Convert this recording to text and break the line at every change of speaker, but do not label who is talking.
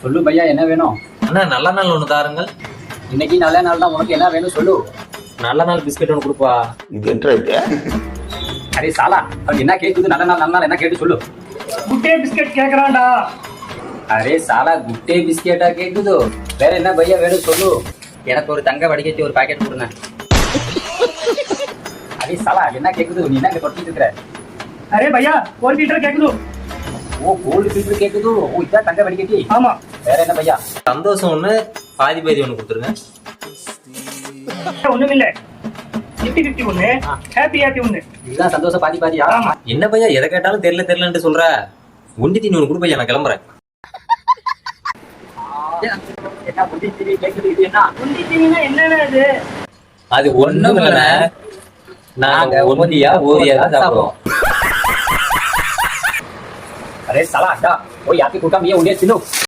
சொல்லு பையா, என்ன வேணும்?
அண்ணா நல்ல நாள் ஒன்று தாருங்கள்.
இன்னைக்கு நல்ல நாள் தான், உனக்கு என்ன வேணும் சொல்லு.
நல்ல நாள் பிஸ்கெட் ஒன்று கொடுப்பா.
இது என்ன?
அரே சாலா, அவன் என்ன கேக்குது? நல்ல நாள் நல்ல நாள் என்ன கேட்டு சொல்லு.
குட்டே பிஸ்கெட் கேக்குறான்டா.
அரே சாலா, குட்டே பிஸ்கெட்டா கேக்குது? வேற என்ன பையா வேணும் சொல்லு. எனக்கு ஒரு தங்க வடிகட்டி ஒரு பாக்கெட் கொடுங்க. அரே சாலா, என்ன கேக்குது? நீ என்ன இங்க தொட்டிட்டு இருக்கிற?
அரே பையா, 1 லிட்டர் கேக்குது.
ஓ, கோல்டு ஃபில்டர் கேக்குது. ஓ, இதான் தங்க வடிகட்டி.
ஆமா.
வேற என்ன பையா?
சந்தோஷம் ஒன்று, பாதி பாதி ஒன்று கொடுத்துருங்க.
ஒண்ணுமில்ல, 50-50 ஒண்ணு, ஹாப்பி ஒண்ணு.
இதுதான் சந்தோஷம் பாதி பாதியா?
ஆமா.
என்ன பையா எதை கேட்டாலும் தெரியலன்ட்டு சொல்ற. ஒண்டி தீனி ஒன்று கொடுப்பையா, நான் கிளம்புறேன்.
என்ன புத்தி டிவி கேக்குது? இது என்ன?
குண்டிட்டீங்கன்னா என்னன்னா இது?
அது ஒண்ணும் இல்லைண்ணே, நாங்க ஒண்டியா ஓரியா தான் சாப்பிடுவோம்.
அரே சாலா, அடா போய் யாத்தி கூட்டம் ஏன் உடனே தின்னு.